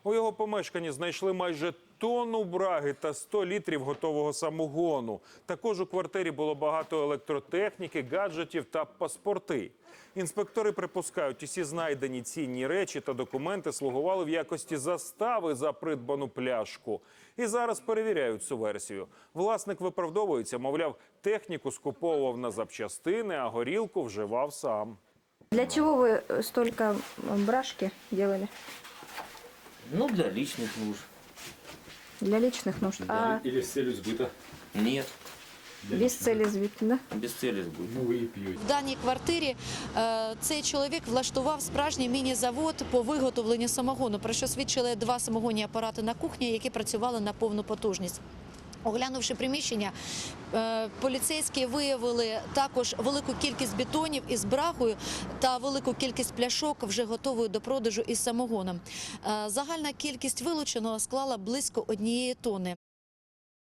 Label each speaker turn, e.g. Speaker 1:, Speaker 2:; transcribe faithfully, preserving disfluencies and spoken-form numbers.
Speaker 1: У його помешканні знайшли майже тонну браги та сто літрів готового самогону. Також у квартирі було багато електротехніки, гаджетів та паспорти. Інспектори припускають, усі знайдені цінні речі та документи слугували в якості застави за придбану пляшку. І зараз перевіряють цю версію. Власник виправдовується, мовляв, техніку скуповував на запчастини, а горілку вживав сам.
Speaker 2: Для чего вы столько брашки делали?
Speaker 3: Ну, для личных нужд.
Speaker 2: Для личных нужд. А
Speaker 4: Или с целью сбыта.
Speaker 3: Нет,
Speaker 2: без цели сбыть, да?
Speaker 3: без цели сбыта.
Speaker 4: Ну, вы и пьете.
Speaker 5: В даній квартирі е, цей чоловік влаштував справжній міні-завод по виготовленню самогону, про що свідчили два самогонні апарати на кухні, які працювали на повну потужність. Оглянувши приміщення, е, поліцейські виявили також велику кількість бетонів із брагою та велику кількість пляшок, вже готової до продажу із самогоном. Е, загальна кількість вилученого склала близько однієї тонни.